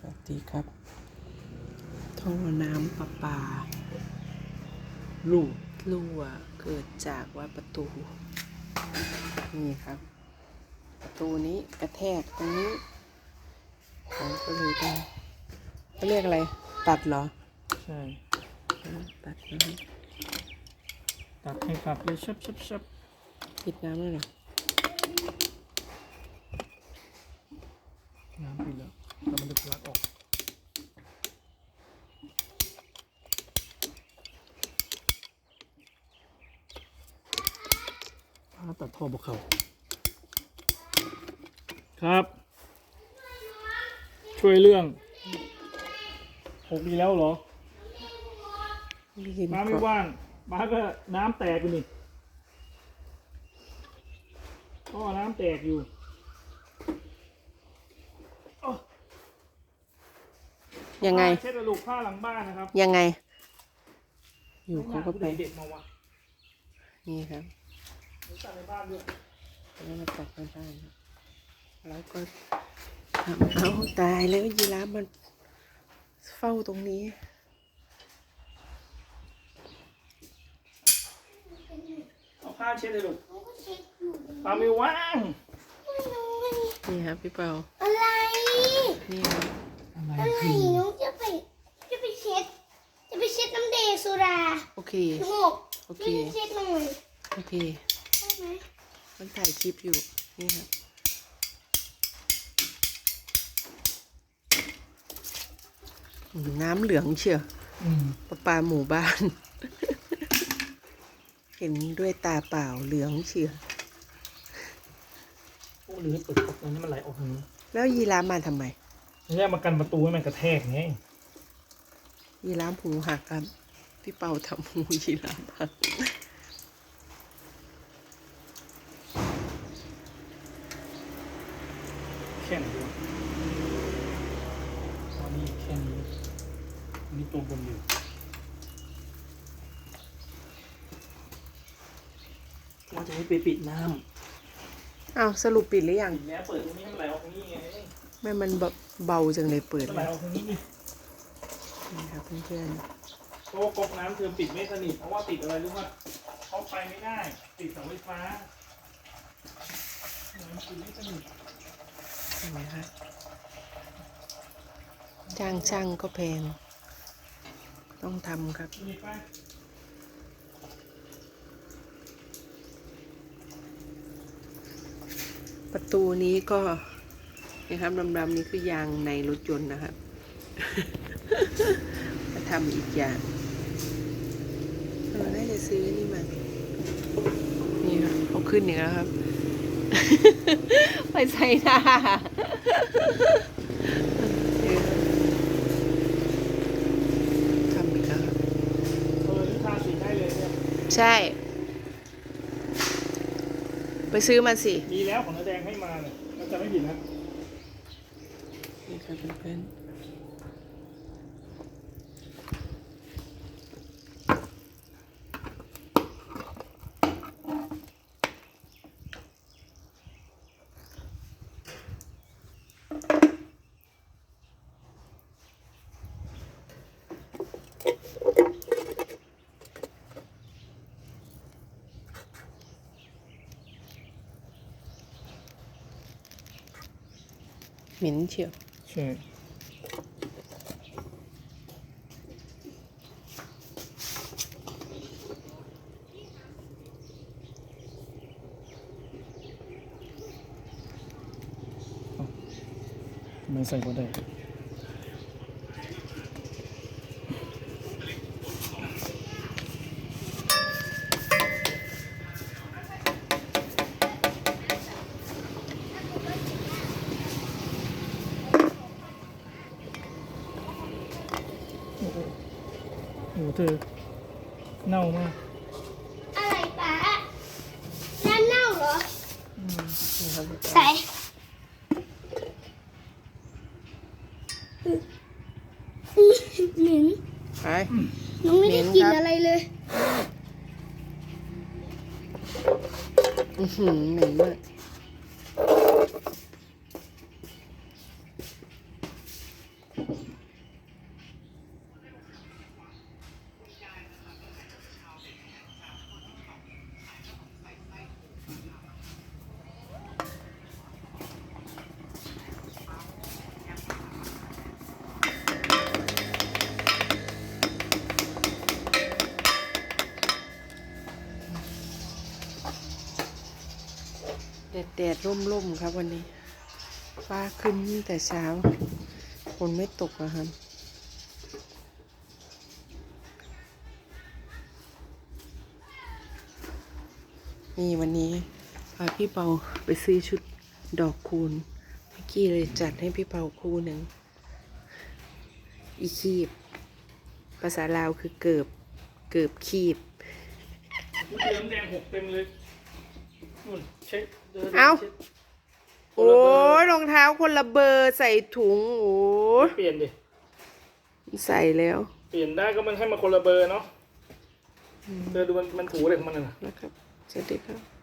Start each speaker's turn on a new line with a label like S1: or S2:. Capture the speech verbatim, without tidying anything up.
S1: วัสดีครับท่อน้ำประปา
S2: ลู่
S1: รั่วเกิดจากว่าประตูนี่ครับประตูนี้กระแทกตรงนี้เขาก็เลยต้องเขาเรียกอะไรตัดเหรอ
S2: ใช่
S1: ตัดนะ
S2: ตัดให้ครับเลยชับชับชับ
S1: ปิดน้ำเลยเหรอ
S2: น้ำปิดแล้วแล้วมันจะทะลักออกพาตัดท่อบกเขาครับ ช่วยเรื่องหกดีแล้วเหรอบ้าไม่ว่างบ้าก็น้ำแตกอยู่นี่ท่อน้ำแตกอยู่
S1: ยังไง
S2: เช็ดกระดูกผ้าหลังบ้านนะครับ
S1: ยังไงอยู่เขาก็ไป
S2: เด็ดมาวะ
S1: นี่ครับ
S2: ตัดในบ้านด้วย
S1: แล้วมาตัดในบ้านแล้วก็ทำเอาตายแล้วยีราฟมันเฝ้าตรงนี้
S2: เอาผ้าเช็ดเลยลูกปาไม่ว่าง
S1: นี่ครับพี่เปา
S3: อะไร
S1: นี่ครับ
S3: อะไรน้องจะไปจะไปเช็ดจะไปเช็ดน้ำเดสุรา
S1: โอเค
S3: หก
S1: โอเค
S3: เช็ดหน่อย
S1: โอเค
S3: ได้ไหม
S1: มันถ่ายคลิปอยู่นี่ครับน้ำเหลืองเชียวประปาหมู่บ้าน เห็นด้วยตาเปล่าเหลืองเชียว
S2: โอ้หรือเปิดตรงนี้มันไหลออกทางนี้
S1: แล้วยีราฟมาทำไม
S2: ไม่ใช่มากันประตูให้มันกระแทกไง
S1: ยีราฟหูหักครับพี่เปาทำหูยีราฟหัก
S2: แค่ไหนดูตอนนี้แค่นี้อันนี้ตัวบนอยู่เราจะให้ไปปิดน้
S1: อ้าวสรุปปิดหรือยัง
S2: ำปิดแล้วเปิดตรงนี้ให้มันไหลออกตรงนี้ไง
S1: แม่มันเบาจังเลยเปิด
S2: มันไหลออกตรงนี้นี่
S1: นี่ครับเพื่อน
S2: เพราะว่าก๊อกน้ำเธอปิดไม่สนิทเพราะว่าติดอะไรรู้ป่ะเขาไปไม่ได้ติดเสาไฟฟ้ามันปิดไม่สนิท
S1: ๆเห็นไหมครับจ้างช่างก็แพงต้องทำครับ
S2: มีป่ะ
S1: ประตูนี้ก็นะครับดำๆนี้คือยางในรถยนต์นะครับ มาทำอีกอย่างเราได้จะซื้อนี่มานี่ครับเขาขึ้นอีกแล้วครับ ไปใส่หน้าทำอีกแล้วครับ
S2: เออนี่ทาสีได้เลยเนี่ย
S1: ใช่ ไปซื้อมาสิ
S2: มีแล้วของน้าแดงให้มาเนี่ยก็จะไม่ผิดนะ
S1: นี่ครับเพื่อนเหม็นเชียว
S2: ใช่ไม่ใส่ก็ได้โอ้โหเธอเน่ามาก
S3: อะไรป๋าน้ำเน่าเหรอใส่
S1: ใส่
S3: เหม็น
S1: ไป
S3: น้องไม่ได้กินอะไรเลย
S1: อือหือเหม็นมากแดดร่มๆครับวันนี้ฟ้าขึ้นแต่เช้าฝนไม่ตกนะครับนี่วันนี้พาพี่เปาไปซื้อชุดดอกคูณเมื่อกี้เลยจัดให้พี่เปาคู่หนึ่งอีคีบภาษาลาวคือเกิบเกิบคีบ
S2: เติมแดงหกเต็มเลยนู่นเช็คดิน
S1: เอ้า
S2: ช็ค
S1: โอ้ยรองเท้าคนละเบอร์ใส่ถุงโอ้ย
S2: เปลี่ยนดิ
S1: ใส่แล้ว
S2: เปลี่ยนได้ก็มันให้มาคนละเบอร์เนาะเธอดูมันมันถูอะไรของมันน่ะ
S1: นะครับสวัสดีครับ